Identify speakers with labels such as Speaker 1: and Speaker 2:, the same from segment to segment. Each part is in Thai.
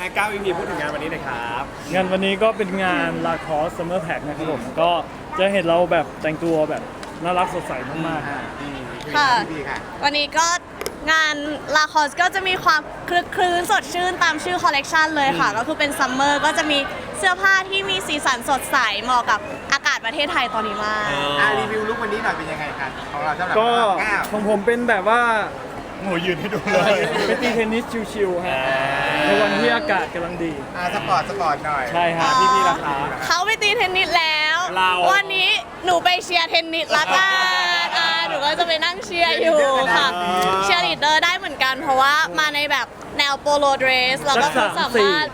Speaker 1: ก้าวอีพีพูดถึงงานวันนี้หน่อยครับ
Speaker 2: งานวันนี้ก็เป็นงานลาคอสซัมเมอร์แพ็นะครับผมก็จะเห็นเราแบบแต่งตัวแบบน่ารักสดใสมากๆ
Speaker 3: ค่ะ วันนี้ก็งานลาคอสก็จะมีความคลึกคลื้นสดชื่นตามชื่อคอลเลกชันเลยค่ะ ก็คือเป็นซัมเมอร์ก็จะมีเสื้อผ้าที่มีสีสันสดใสเหมาะกับอากาศประเทศไทยตอนนี้มาก
Speaker 4: รีวิวลุควันนี้หน่อยเป็นยังไงกันของเราสำหรับ
Speaker 2: ก็
Speaker 4: ก้าว
Speaker 2: ของผมเป็นแบบว่า
Speaker 1: โหยืนให้ดูเลย
Speaker 2: ไปตีเทนนิสชิลๆฮะในวันที่อากาศกำลังดี
Speaker 4: สปอร์ตหน่อย
Speaker 2: ใช่ฮะ
Speaker 1: พี่ราคา
Speaker 3: เขาไปตีเทนนิสแล้ว
Speaker 1: เรา
Speaker 3: วันนี้หนูไปเชียร์เทนนิสละกันหนูก็จะไปนั่งเชียร์อยู่ค่ะ เชียร์ลีดเดอร์ได้เหมือนกัน เพราะว่ามาในแบบแนวโปโลเดรสแล้วก็สามารถ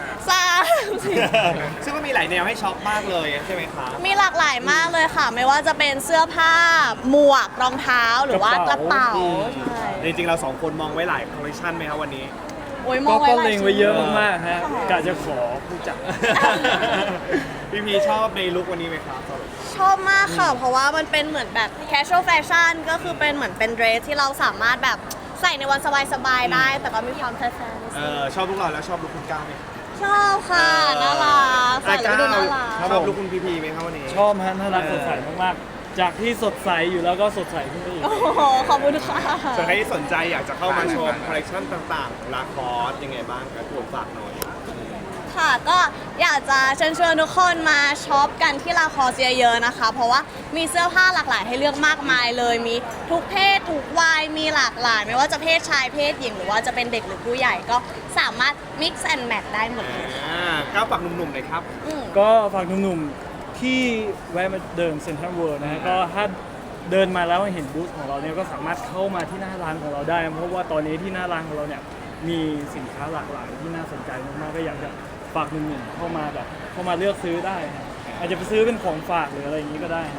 Speaker 1: ซึ่งก็มีหลายแนวให้ช็อปมากเลยใช่ไหมครับ
Speaker 3: มีหลากหลายมากเลยค่ะ ไม่ว่าจะเป็นเสื้อผ้า หมวก รองเท้า หรือว่ากระเป๋า ใช่
Speaker 1: จริงๆเราสองคนมองไว้หลายคอลเลคชันไหมครับวันนี้
Speaker 3: โอ้ยม
Speaker 2: ก็
Speaker 3: องไว้
Speaker 2: ก็
Speaker 3: หลาย
Speaker 2: เล็ง
Speaker 3: ชุ
Speaker 2: ไว้
Speaker 3: ด
Speaker 2: เยอะมากๆฮะกะจะขอผู้จัด
Speaker 1: พี่พีชอบในลุควันนี้ไหมครับ
Speaker 3: ชอบมากค่ะ เพราะว่ามันเป็นเหมือนแบบ casual fashion ก็คือเป็นเหมือนเป็นเดรสที่เราสามารถแบบใส่ในวันสบายๆได้ แต่ก็มีความแฟชั่น
Speaker 1: ชอบลุคเราแล้วชอบลุคคุณก้าวไหม
Speaker 3: ชอบค่ะ น่ารักใส่แล้วดูน่ารัก
Speaker 1: ชอบลุคคุณพีไหมครับวันนี้
Speaker 2: ชอบฮะน่ารักสดใสมากๆ จากที่สดใสอยู่แล้วก็สดใสขึ้นไปอีก
Speaker 3: โอ้โห ขอบคุณค่ะ
Speaker 1: ส่วนใครที่สนใจอยากจะเข้ามาชมคอลเลคชันต่างๆลาคอสยังไงบ้างครับผมฝากหน่อย
Speaker 3: ค่ะก็อยากจะเชิญชวนทุกคนมาช็อปกันที่ลาคอสเยอะๆนะคะ เพราะว่ามีเสื้อผ้าหลากหลายให้เลือกมากมายเลย มีทุกเพศทุกวัยมีหลากหลาย ไม่ว่าจะเพศชายเพศหญิงหรือว่าจะเป็นเด็กหรือผู้ใหญ่ก็สามารถ mix and match ได้หมดเลยค่ะ
Speaker 1: ก้าวฝากหนุ่มๆหน่อยครับ
Speaker 3: อืม
Speaker 2: ก็ฝากหนุ่มๆที่แวะมาเดินเซ็นทรัลเวิลด์นะฮะก็ถ้าเดินมาแล้วเห็นบูธของเราเนี่ยก็สามารถเข้ามาที่หน้าร้านของเราได้ เพราะว่าตอนนี้ที่หน้าร้านของเราเนี่ยมีสินค้าหลากหลายที่น่าสนใจมากๆก็อยากจะฝากหนุ่มๆเข้ามาแบบเข้ามาเลือกซื้อได้ฮะอาจจะไปซื้อเป็นของฝากหรืออะไรอย่างนี้ก็ได้ฮะ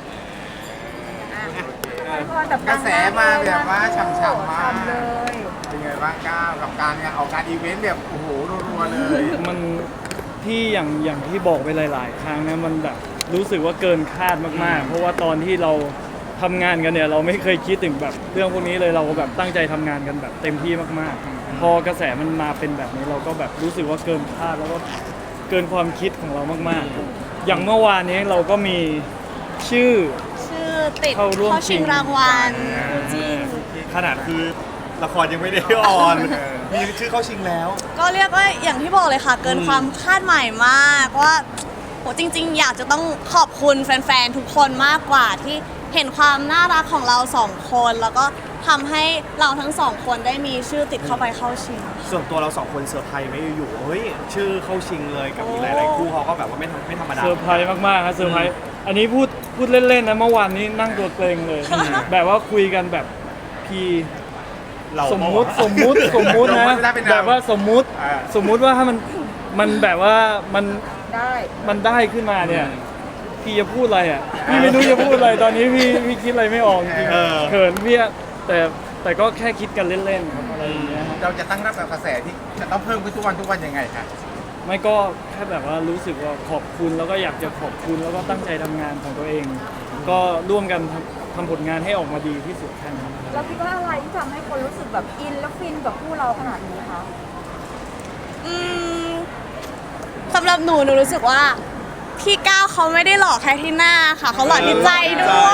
Speaker 4: กระแสมาแบบว่าฉ่ำๆมากเป็นไงบ้างก้าวกับการออกการอีเวนต์แบบโอ้โหรัวๆเลย
Speaker 2: มันที่อย่างที่บอกไปหลายๆ ครั้งนะมันแบบรู้สึกว่าเกินคาดมากๆ เพราะว่าตอนที่เราทำงานกันเนี่ยเราไม่เคยคิดถึงแบบเรื่องพวกนี้เลยเราแบบตั้งใจทำงานกันแบบเต็มที่มากๆ พอกระแสมันมาเป็นแบบนี้เราก็แบบรู้สึกว่าเกินคาดแล้วก็เกินความคิดของเรามากๆ อย่างเมื่อวานนี้เราก็มีชื่อ
Speaker 3: ชื่อติด
Speaker 2: เข้าร่วม
Speaker 3: เข้าชิง
Speaker 2: ชิง
Speaker 3: รางวัลคู่จิ้น
Speaker 1: ขนาดคือละครยังไม่ได้ออน มีชื่อเข้าชิงแล้ว
Speaker 3: ก็เรียกว่าอย่างที่บอกเลยค่ะ เกินความคาดหมายมากว่าโหจริงๆ อยากจะต้องขอบคุณแฟนๆ ทุกคนมากกว่าที่เห็นความน่ารักของเราสองคน แล้วก็ทำให้เราทั้งสองคนได้มีชื่อติดเข้าไปเข้าชิง
Speaker 1: ส่วนตัวเราสองคนเซอร์ไพรส์ไหม่อยู่ๆเฮ้ยชื่อเข้าชิงเลยกับอีกหลายๆคู่เขาก็แบบว่าไม่ธรรมดา
Speaker 2: เซอร์ไพรส์มากๆครับเซอร์ไพรส์อันนี้พูดเล่นๆนะเมื่อวานนี้นั่งตัวเกรงเลย แบบว่าคุยกันแบบพี่
Speaker 1: เรา
Speaker 2: สมมุตินะแบบว่าสมมุติว่าถ้ามันแบบว่ามันได้ขึ้นมาเนี่ยพี่จะพูดอะไรอ่ะพี่ไม่รู้จะพูดอะไรตอนนี้พี่คิดอะไรไม่ออกจริงๆเขินพี่แต่ก็แค่คิดกันเล่นๆครับอะไรอย่างเงี้ยฮะ
Speaker 4: เราจะตั้งรับกับกระแสที่จะต้องเพิ่มขึ้นทุกวันยังไงคะ
Speaker 2: ไม่ก็แค่แบบว่ารู้สึกว่าขอบคุณแล้วก็อยากจะขอบคุณแล้วก็ตั้งใจทำงานของตัวเอง ก็ร่วมกันทำผลงานให้ออกมาดีที่สุดแค่นั้น
Speaker 5: เราคิดว่าอะไรที่ทำให้คนรู้สึกแบบอินและฟินกับคู่เราขนาดนี้คะ
Speaker 3: อืมสำหรับหนูรู้สึกว่าพี่ก้าวเขาไม่ได้หล่อแค่ที่หน้าค่ะ เขาหล่อที่ใจด้วย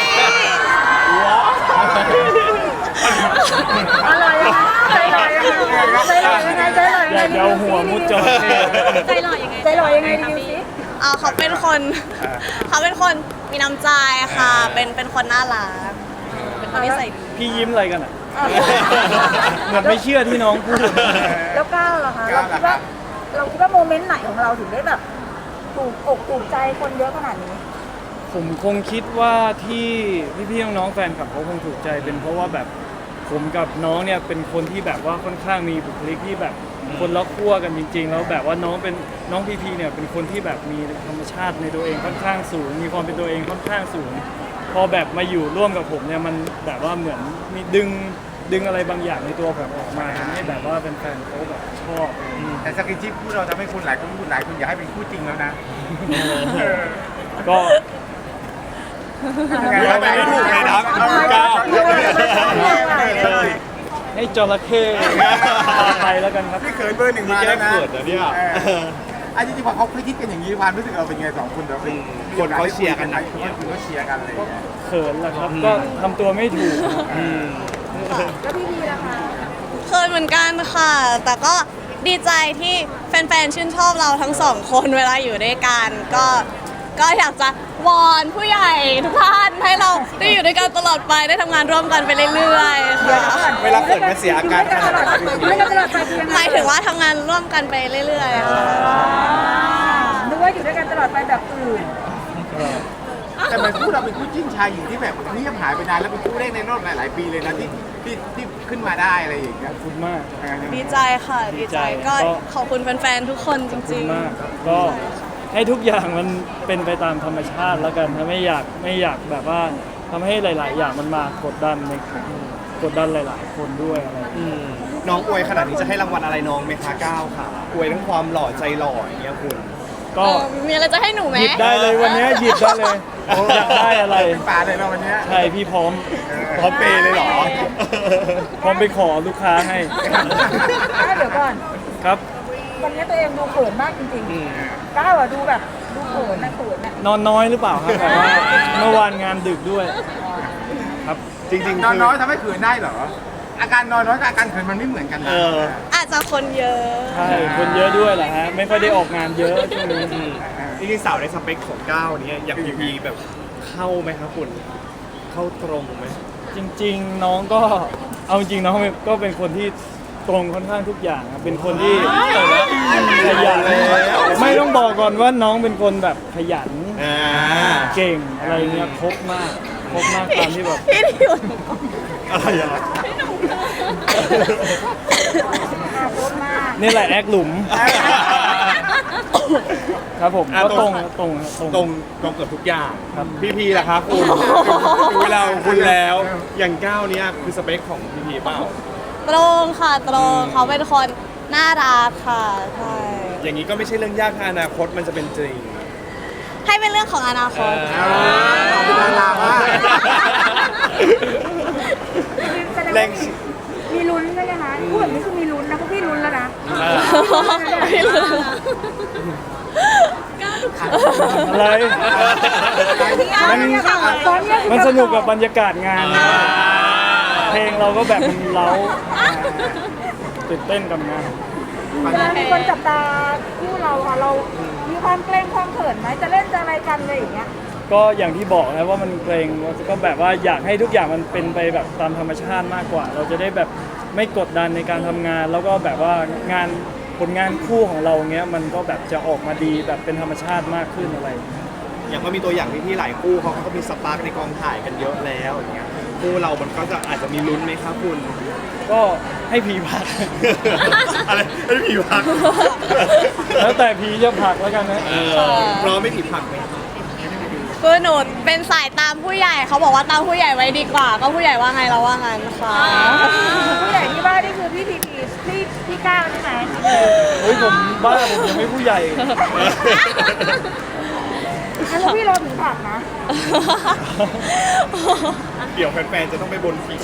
Speaker 5: อะไรอะใจลอยยังไงใจลอยยังไงใจลอยยัง
Speaker 2: อ
Speaker 5: ไง
Speaker 2: ยากจะเอาหัวมุดจระเข้
Speaker 5: ใจลอยยังไงใจลอยยังไงดีสิ
Speaker 3: เขาเป็นคนมีน้ำใจค่ะ เป็นคนน่ารักเป็นคนนิสัยดี
Speaker 2: พี่ยิ้มอะไรกันอ่ะ เหมือนไม่เชื่อที่น้องพูด
Speaker 5: แล้วก้าวล่ะคะเราคิดว่าโมเมนต์ไหนของเราถึงได้แบบถูกอกถูกใจคนเยอะขนาดนี้
Speaker 2: ผมคงคิดว่าที่พี่ๆน้องๆแฟนคลับเขาคงถูกใจเป็นเพราะว่าแบบผมกับน้องเนี่ยเป็นคนที่แบบว่าค่อนข้างมีบุคลิกที่แบบคนละขั้วกันจริงๆแล้วแบบว่าน้องพีเนี่ยเป็นคนที่แบบมีธรรมชาติในตัวเองค่อนข้างสูง มีความเป็นตัวเองค่อนข้างสูง พอแบบมาอยู่ร่วมกับผมเนี่ยมันแบบว่าเหมือนมีดึงอะไรบางอย่างในตัวผมออกมาทำให้แบบว่าแฟนๆเขาแบบชอบ
Speaker 4: แต่สกินชิปคู่เราทำให้คุณหลายคนอยากให้เป็นคู่จริงแล้วนะ
Speaker 2: ก็
Speaker 1: ไม่ถูกเลยนะก้าว
Speaker 2: ยให้จระเข้ไปแล้วกันครับ
Speaker 4: พี่เขินเบอร์หนึ่งมาแล้วนะ
Speaker 1: นี่แก้เขินนะเนี่ย
Speaker 4: อันจริงๆพอเขาคิดกันอย่างนี้ความรู้สึกเราเป็นไงสองคนเราเป็น
Speaker 1: คนเขาเชียร์กันหนัก
Speaker 4: คนเขาเชียร์กันอะไรอย่างเงี้ย
Speaker 2: เขินแหละครับ ก็ทำตัวไม่ถูก
Speaker 5: แล้วพี่พีล่ะคะ
Speaker 3: เคยเหมือนกันค่ะ แต่ก็ดีใจที่แฟนๆ ชื่นชอบเราทั้งสองคนเวลาอยู่ด้วยกัน ก็อยากจะวอนผู้ใหญ่ทุกท่านให้เราได้อยู่ด้วยกันตลอดไปได้ทำงานร่วมกันไปเรื่อยๆค่ะ
Speaker 1: เวลาเขินมันเสียอาการขนาดไหน
Speaker 5: ไม่กันตลอดไปคือยังไง
Speaker 3: หมายถึงว่าทำงานร่วมกันไปเรื่อยๆค่ะ
Speaker 5: นึกว่าอยู่ด้วยกันตลอดไปแบบอื่น
Speaker 4: แต่มันคู่เราเป็นคู่จิ้นชายหญิงที่แบบเงียบหายไปนานแล้วเป็นคู่แรกในรอบหลายๆปีเลยนะที่ขึ้นมาได้อะไรอย่างเงี้ย
Speaker 2: ขอบคุณมาก
Speaker 3: ดีใจค่ะดีใจ
Speaker 2: ดีใจ
Speaker 3: ก็
Speaker 2: ก็
Speaker 3: ขอบคุณแฟนๆ ทุกคนจ
Speaker 2: ขอบคุ
Speaker 3: ริ
Speaker 2: ณ
Speaker 3: ง
Speaker 2: มากก็ให้ทุกอย่างมันเป็นไปตามธรรมชาติแล้วกันถ้าไม่อยากแบบว่าทำให้หลาย ๆ อย่างมันมากดดันกดดันหลาย ๆ คนด้วยอะไรอย่างเงี้ย
Speaker 1: น้องอวยขนาดนี้จะให้รางวัลอะไรน้องไหมคะก้าวค่ะอวยทั้งความหล่อใจหล่ออย่างเงี้ยคุณ
Speaker 3: ๆ
Speaker 2: ก็
Speaker 3: มีอะไรจะให้หนูไหม
Speaker 2: หยิบได้เลยวันนี้หยิบได้เลยอยากได้อะไร
Speaker 4: เป็นป่าเลยเราวันเนี้ย
Speaker 2: ใช่พี่พร้อม
Speaker 1: พร้อมเปย์เลยเหรอ
Speaker 2: พร้อมไปขอลูกค้าให้
Speaker 5: เดี๋ยวก่อน
Speaker 2: ครับ
Speaker 5: วันนี้ตัวเองดูเขินมากจริงๆก้าวอะดูแบบดูเขินนะเขินอะ
Speaker 2: นอนน้อยหรือเปล่าครับแบบว่าเมื่อวานงานดึกด้วย ครับ
Speaker 1: จริงๆ
Speaker 4: นอน
Speaker 1: คื
Speaker 4: น้อยทำให้เขินได้เหรอ อาการนอนน้อยกับอาการเขินมันไม่เหมือนกันนะ
Speaker 3: อาจจะคนเยอะ
Speaker 2: ใช่คนเยอะด้วยแหละฮะไม่ค่อยได้ออกงานเยอะช่วงนี้
Speaker 1: จริงๆสาวในสเปคของก้าวเนี้ยอย่างพีพีแบบเข้าไหมครับคุณเข้าตรงไหม
Speaker 2: จริง ๆ น้องก็เอาจริงน้องก็เป็นคนที่ตรงค่อนข้างทุกอย่างครับเป็นคนที่ขยันไม่ต้องบอกก่อนว่าน้องเป็นคนแบบขยัน เก่งอะไรเงี้ยครบมากตามที่แบบ
Speaker 3: พี่ดิว
Speaker 1: อะไรอ่ะ
Speaker 5: โคตรมาก
Speaker 2: นี่แหละแอคหลุม ครับผมก็ตรงครับตรง
Speaker 1: ตรงเกือบทุกอย่าง
Speaker 2: ครับ
Speaker 1: พีพีล่ะครับคุณถึงเวลาของคุณแล้วอย่างก้าวเนี้ยคือสเปคของพีพีเปล่า
Speaker 3: ตรงค่ะตรงเขาเป็นคนน่ารักค่ะใช่
Speaker 1: อย่างนี้ก็ไม่ใช่เรื่องยากถ้าอนาคตมันจะเป็นจริง
Speaker 3: ให้เป็นเรื่องของอนาคต
Speaker 4: ขอบคุณดารามาก
Speaker 5: แสดงว่ามีลุ้นใช่ไหมคะพูดแบบนี้คือมีลุ้นนะพวกพี่ลุ้นแล้วนะ
Speaker 2: อะไร
Speaker 5: ตอนเนี้ย
Speaker 2: มันสนุกกับบรรยากาศงานนะเพลงเราก็แบบมันเล้าตื่นเต้นกับงาน
Speaker 5: เวลามีคนจับตาคู่เราอะเรามีความเกรงความเขินไหมจะเล่นจะอะไรกันเลยอย่างเงี้ย
Speaker 2: ก็อย่างที่บอกนะว่ามันเกรงก็แบบว่าอยากให้ทุกอย่างมันเป็นไปแบบตามธรรมชาติมากกว่า เราจะได้แบบไม่กดดันในการทำงาน แล้วก็แบบว่างานผลงานคู่ของเราเงี้ยมันก็แบบจะออกมาดีแบบเป็นธรรมชาติมากขึ้นอะไรอย่างเงี้ย
Speaker 1: อย่างก็มีตัวอย่างที่หลายคู่เขาก็มีสปาร์กในกองถ่ายกันเยอะแล้วอย่างเงี้ยคู่เรามันก็จะอาจจะมีลุ้นไหมครับคุณ
Speaker 2: ก็ให้พีพัก
Speaker 1: อะไรให้ผีพัก
Speaker 2: แล้วแต่พีจะผลักแล้วกันนะ
Speaker 1: พร้อมไม่ผีผักไหม
Speaker 3: คือหนูเป็นสายตามผู้ใหญ่เขาบอกว่าตามผู้ใหญ่ไว้ดีกว่า ก็ผู้ใหญ่ว่าไงเราว่างั้นค่ะ
Speaker 5: ผู้ใหญ่ที่ว่านี่คือพี่พีพี่ก้าวใช่ไหม
Speaker 2: เฮ้ยผมบ้าผมยังไม่ผู้ใหญ่
Speaker 5: แล้วพี่รอถึงผักนะ
Speaker 1: เดี๋ยวแฟนๆจะต้องไปบนผี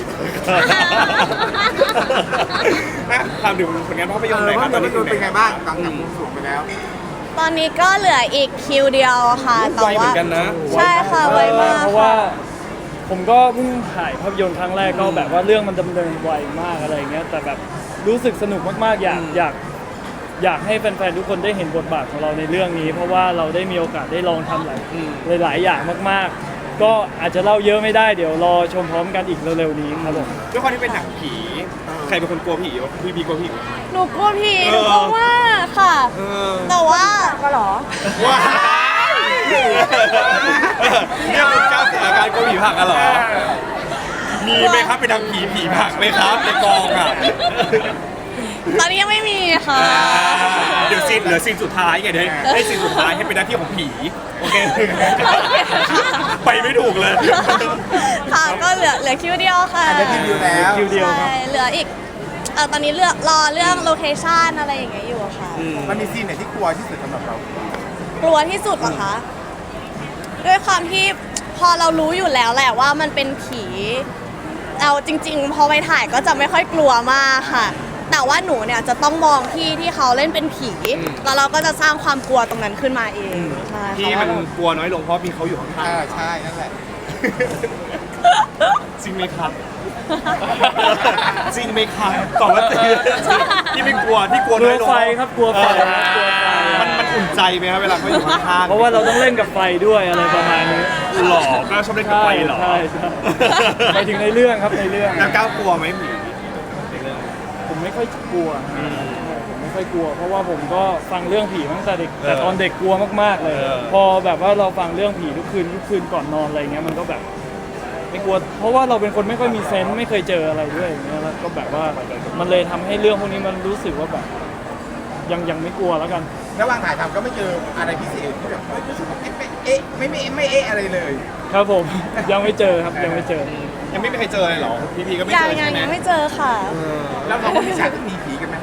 Speaker 1: ถามถึงผลงานภาพยนตร์หน่อยครับตอนนี้
Speaker 4: เป็นไงบ้างหลังจากมุมสูงไปแล้ว
Speaker 3: ตอนนี้ก็เหลืออีกคิวเดียวค่ะแต่
Speaker 1: ไวเหมื
Speaker 3: ว่า
Speaker 1: อนกันนะ
Speaker 3: ใช่ค่ะไวมาก
Speaker 2: เพราะว่าผมก็เพิ่งถ่ายภาพยนตร์ครั้งแรกก็แบบว่าเรื่องมันดำเนินไวมากอะไรอย่างเงี้ยแต่แบบรู้สึกสนุกมากๆอยากให้แฟนๆทุกคนได้เห็นบทบาทของเราในเรื่องนี้ เพราะว่าเราได้มีโอกาสได้ลองทำหลายอย่างมากๆ ก็อาจจะเล่าเยอะไม่ได้เดี๋ยวรอชมพร้อมกันอีกเร็วๆนี้ครับผม
Speaker 1: ด้วยความที่เป็นหนังผี ใครเป็นคนกลัวผีวะพี่กลัวผีไหม
Speaker 3: หนูกลัวผีหนูกลัวมากค่ะ แต่ว่า
Speaker 5: ก็หรอ
Speaker 1: ว้ายเนี่ยคุณก้าวเสียอาการกลัวผีผักกันเหรอ มีไหมครับไปทำผีผักไหมครับในกองอ่ะ
Speaker 3: ตอนนี้ยังไม่มีค่ะ
Speaker 1: เดี๋ยวเหลือซีนสุดท้ายไงเดี๋ยวให้ซีนสุดท้ายให้เป็นหน้าที่ของผี โอเค ไปไม่ถูกเลย
Speaker 3: ค่ะก็เหลือคิวเดียวค่ะ
Speaker 4: ได้คิวเดียวแล้ว
Speaker 2: คิวเดียวครับ
Speaker 3: ใช่เหลืออีกตอนนี้รอเรื่องโลเคชั่นอะไรอย่างเงี้ยอยู่ค่ะ
Speaker 4: มันมีซีนไหนที่กลัวที่สุดสำหรับเรา
Speaker 3: กลัวที่สุดเหรอคะ ด้วยความที่พอเรารู้อยู่แล้วแหละว่ามันเป็นผีเอาจริง ๆ พอไปถ่ายก็จะไม่ค่อยกลัวมากค่ะ แต่ว่าหนูเนี่ยจะต้องมองพี่ที่เขาเล่นเป็นผี แล้วเราก็จะสร้างความกลัวตรงนั้นขึ้นมาเองใช่
Speaker 1: ที่
Speaker 3: ค่ะ
Speaker 1: มันกลัวน้อยลงเพราะมีเขาอยู่ข้าง
Speaker 4: ใช่นั่นแหละ
Speaker 1: ๆจริงไหมครับ จริงไหมครับตอบว่าจริงที่ไม่กลัวที่กลัว
Speaker 2: กลั
Speaker 1: น้
Speaker 2: ว
Speaker 1: อยลง
Speaker 2: ไฟครับกลัวไฟครับกลัวไฟ
Speaker 1: มันอุ่นใจไหมครับเวลาเขาอยู่ข้างๆ
Speaker 2: เพราะว่าเราต้องเล่นกับไฟด้วยอะไรประมาณนี้
Speaker 1: หล่อก็ชอบเล่นกับไฟเหรอ
Speaker 2: ใช่ไปถึงในเรื่องครับในเรื่อง
Speaker 1: แล้วก้าวกลัวไหมผีในเรื่อง
Speaker 2: ผมไม่ค่อยกลัวผมไม่ค่อยกลัว เพราะว่าผมก็ฟังเรื่องผีมาตั้งแต่เด็กแต่ตอนเด็กกลัวมากๆเลย พอแบบว่าเราฟังเรื่องผีทุกคืนก่อนนอนอะไรเงี้ยมันก็แบบไม่กลัว เพราะว่าเราเป็นคนไม่ค่อยมีเซนส์ไม่เคยเจออะไรด้วยอย่างเงี้ยแล้วก็แบบว่ามันเลยทำให้เรื่องพวกนี้มันรู้สึกว่าแบบยังไม่กลัวแล้วกัน
Speaker 4: ระหว่างถ่ายทำก็ไม่เจออะไรพิเศษที่แบบรู้สึกว่าเอ๊ะไม่เอ๊ะอะไรเลย
Speaker 2: ครับผม ยังไม่เจอครับยังไม่เจอ
Speaker 1: ยังไม่มีใครเจอเลยเหรอพี่ก็ไม่
Speaker 3: ยั
Speaker 1: เจ
Speaker 3: ง
Speaker 1: อใช่ไหม
Speaker 3: ยังไม่เจอค่ะ
Speaker 4: แล้วเราก็มีฉากที่มีผีกันไหม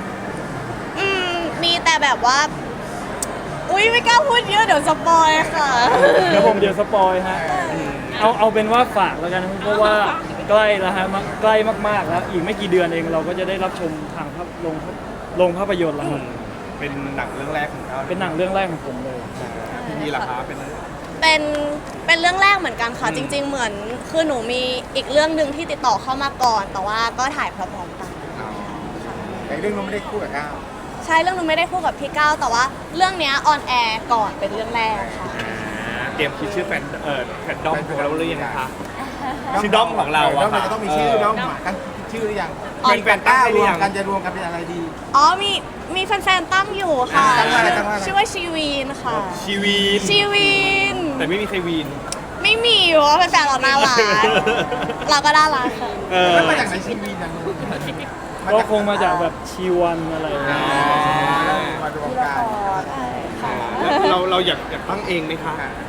Speaker 3: มีแต่แบบว่า อุ้ยไม่กล้าพูดเยอะเดี๋ยวสปอยค่ะ
Speaker 2: เดี๋ยวผมเดี๋ยวสปอยฮะเอาเป็นว่าฝากแล้วกันเพราะว่าใกล้แล้วฮะใกล้มากๆแล้วอีกไม่กี่เดือนเองเราก็จะได้รับชมทางโรงภาพยนตร์แล้วครับ
Speaker 1: เป็นหนังเรื่องแรกของเขา
Speaker 2: เป็นหนังเรื่องแรกของผมเลย
Speaker 1: พี่ล่ะคะเป็น
Speaker 3: เป็นเรื่องแรกเหมือนกันค่ะ จริง ๆ เหมือนคือหนูมีอีกเรื่องหนึ่งที่ติดต่อเข้ามาก่อน แต่ว่าก็ถ่ายพร้อมๆกัน
Speaker 4: แต่เรื่องนู้นไม่ได้คู่กับก้าว
Speaker 3: ใช่เรื่องหนูไม่ได้คู่กับพี่ก้าวแต่ว่าเรื่องเนี้ยออนแอร์ก่อนเป็นเรื่องแรกค่ะ
Speaker 1: เตรียมคิดชื่อแฟนดอมของเราหรือยังคะ ชื่อด้อมของเราอะ
Speaker 4: ด้อม
Speaker 1: ค่ะ
Speaker 4: จะต้องมีชื่อด้อมตั้งชื่อหรือยัง
Speaker 1: เป็นแฟนตั้งหรือยัง
Speaker 4: กันจะรวมกันเป็นอะไรดี
Speaker 3: อ๋อมีแฟนๆตั้งอยู่ค่ะ
Speaker 4: ตั้งว่าอะไร
Speaker 3: ชื่อว่าชีวีนค่ะ
Speaker 1: ชีวีน
Speaker 3: ชีวีน
Speaker 1: แต่ไม่มีใครวีน
Speaker 3: ไม่มีเพราะว่าแฟนๆเราน่ารักเราก็น่ารักค่ะ
Speaker 4: แล้วมาจากไหนชีวีนะ
Speaker 2: ก็คงมาจากแบบชีวันอะไรอย่างเงี้ย
Speaker 4: มารวมกัน
Speaker 3: ใช่ค่ะ
Speaker 1: เราอยากตั้งเองไหมคะ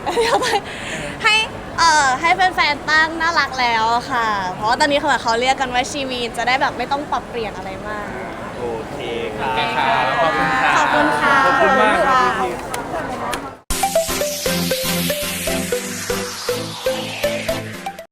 Speaker 3: ให้แฟนๆตั้งน่ารักแล้วค่ะ เพราะว่าตอนนี้เขาเรียกกันว่าชีวีนจะได้แบบไม่ต้องปรับเปลี่ยนอะไรมาก
Speaker 1: โอเคค่ะขอบคุณค่ะ
Speaker 3: ขอบคุณค่ะ
Speaker 2: ขอบคุณมาก